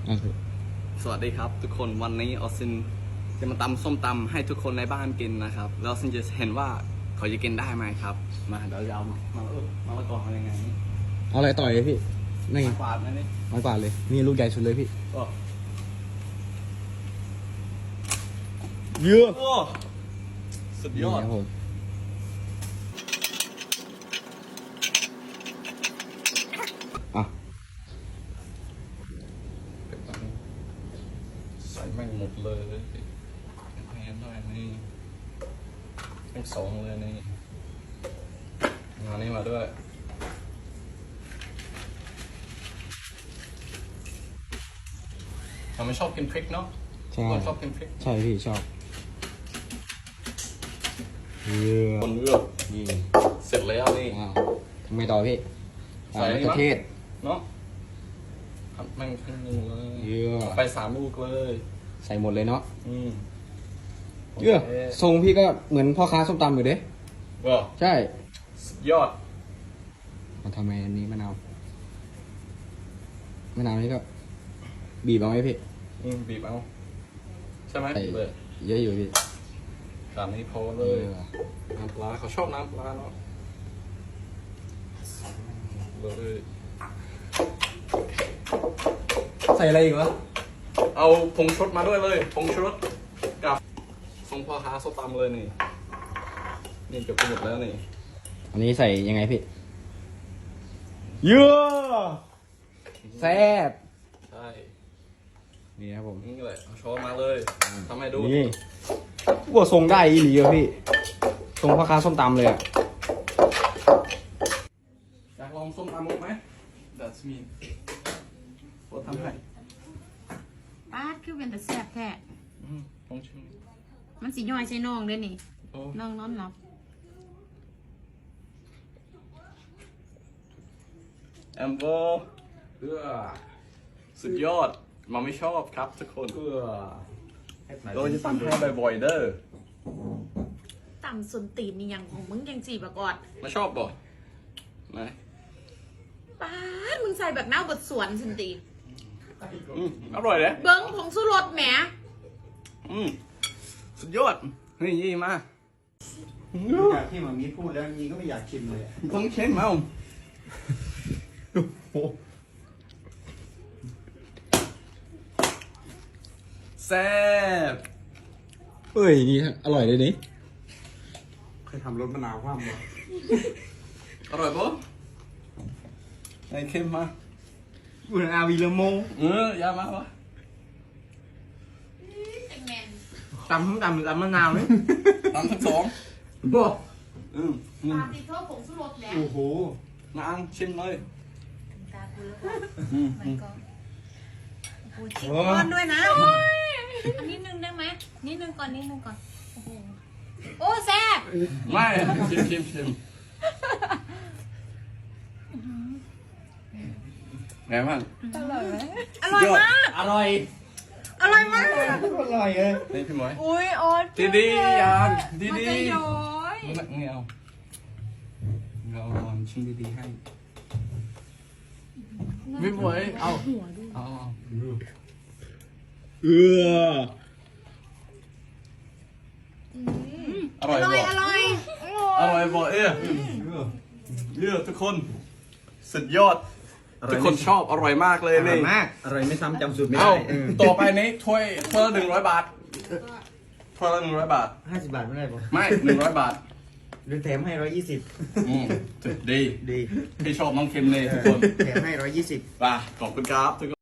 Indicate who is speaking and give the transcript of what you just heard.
Speaker 1: สวัสดีครับทุกคนวันนี้ออซินจะมาตำส้มตำให้ทุกคนในบ้านกินนะครับแล้วซินจะเห็นว่าเขาจะกินได้ไหมครับมาเดี๋ยวจะเอามาละกออะไรไงนี่
Speaker 2: เอาอะไรต่อยเลยพี่นี่
Speaker 1: มากวาดนะนี่
Speaker 2: ไม้กวาดเลยนี่ลูกใหญ่สุดเลยพี่
Speaker 1: โอ้
Speaker 2: เยอะ
Speaker 1: โอ้สุดยอด
Speaker 2: ครับผมอ่ะ
Speaker 1: ใส่แม่งหมดเลยแพนด้วยนี่ทั้งสองเลยนี่งานนี้มาด้วยเราไม่ชอบกินพริกเนาะ
Speaker 2: ใช่
Speaker 1: คนชอบกินพริก
Speaker 2: ใช่พี่ชอบเยอะ
Speaker 1: คนเลือก
Speaker 2: นี่
Speaker 1: เสร็จแล้วนี่
Speaker 2: ว้าวทำไมต่อพี่
Speaker 1: ใส่
Speaker 2: มะเขือเทศ
Speaker 1: เนาะผัดแม่งทั้งนึงเลย
Speaker 2: เยอะ
Speaker 1: ไป3 ลูกเลย
Speaker 2: ใส่หมดเลยเนาะ
Speaker 1: โ
Speaker 2: เยอะทรงพี่ก็เหมือนพ่อค้าส้มตำอยู่เด้
Speaker 1: ว้าว
Speaker 2: ใช่
Speaker 1: สุดยอด
Speaker 2: มาทำไมอันนี้มะนาวนี่ก็บีบเอาไหมพี่
Speaker 1: บีบเอาใช่ไหม
Speaker 2: ใส่
Speaker 1: เลย
Speaker 2: เยอะอยู่พี่
Speaker 1: ตามนี้พอเลย น้ำปลาเขาชอบน้ำปลาเนาะเลย
Speaker 2: ใส่อะไรอีกวะ
Speaker 1: เอาผงชูรสมาด้วยเลยผงชูรสกับทรงพ่อค้าส้มตำเลยนี่นี่เกือบหมดแล้วนี่
Speaker 2: อันนี้ใส่ยังไงพี่เยอะแซ่บ
Speaker 1: ใช่
Speaker 2: นี่ครับผม
Speaker 1: นี่เลยเอาช้อนมาเลยทำให้ดู
Speaker 2: นี่ว่าทรงได้อีหลีอะพี่ทรงพ่อค้าส้มตำเลยอะ
Speaker 1: อยากลองส้มตำมุกไหม That's me โคตรทำให้
Speaker 3: ป้าดคือเป็นแต่แซ่บแท้
Speaker 1: ลองชิม
Speaker 3: มันสิย่อยใช่น้องเด้อนี่
Speaker 1: โอ้
Speaker 3: น้องนอนหลับ
Speaker 1: แอมโบเพื่อสุดยอดมาไม่ชอบครับทุกคนเราจะทำให้บ่อยๆเด้อ
Speaker 3: ต่ำส่วนตีนนี่ยังของมึงยังจีบกอด
Speaker 1: มาชอบบ่ไหน
Speaker 3: ป้าดมึงใส่แบบหน้าบทสวนสันติ
Speaker 1: อร่อยเลย
Speaker 3: เบิ้งผงสุรสแหม
Speaker 1: สุดยอดเฮ้ยยี่มา
Speaker 4: จากที่หมามีพูดแล้วมีก็ไม่อยากชิมเลย
Speaker 1: ต้องเช็ดมาแซ่บ
Speaker 2: เฮ้ยนี่อร่อยเลยนี่
Speaker 4: เคยทำรสมะนาวคว่ำมา
Speaker 1: อร่อยปะไอ้เค็มมา
Speaker 4: บุญอาวีเลโม
Speaker 1: ยามาวะ
Speaker 4: ตำทั้งตำหรือตำมะนาวเนี่ย
Speaker 1: ตามทั้งสอง
Speaker 4: บ่
Speaker 3: ปาติโทษผงสุรสแหม
Speaker 4: โอ้โห
Speaker 1: นางชิมเลย
Speaker 3: ตากูแล้วก็มันก็กูชิมก้อนด้วยนะอันนิดนึงได้ไหมนิดนึงก่อนโอ้โหโอ้แซ่บ
Speaker 1: ไม่ชิมไงบ้าง
Speaker 3: อร่อยมาก
Speaker 4: อร่อย
Speaker 3: อร่อยมาก
Speaker 4: อร่อยเลย
Speaker 1: นี่พี่หมวย
Speaker 3: อุ้ยออส
Speaker 1: ดีๆอย่างดี
Speaker 3: มันจะย้อย
Speaker 1: ๆนี่เอาเราลองชิมดีๆให้พี่หมวยเอา
Speaker 2: เออ
Speaker 1: อร่อยบ่
Speaker 3: อร่อย
Speaker 1: อร่อยบ่เยอะทุกคนสุดยอดทุกคนชอบอร่อยมากเลย
Speaker 4: อร่อ
Speaker 1: นี่
Speaker 4: ยมากอร่อยไม่ซ้ำจำสูตรไม่
Speaker 1: เอ้า
Speaker 4: ได้
Speaker 1: ต่อไปนี้ถ้วยละ100 บาทถ้วยละ100 บาท
Speaker 4: 50 บาทไม่ได้ป่ะ
Speaker 1: ไม่100 บาท
Speaker 4: หรือแถมให้120
Speaker 1: ดี
Speaker 4: ดี
Speaker 1: พี่ชอบน้องเค็มเลยทุกคน
Speaker 4: แถมให้120
Speaker 1: ป่ะขอบคุณครับทุกคน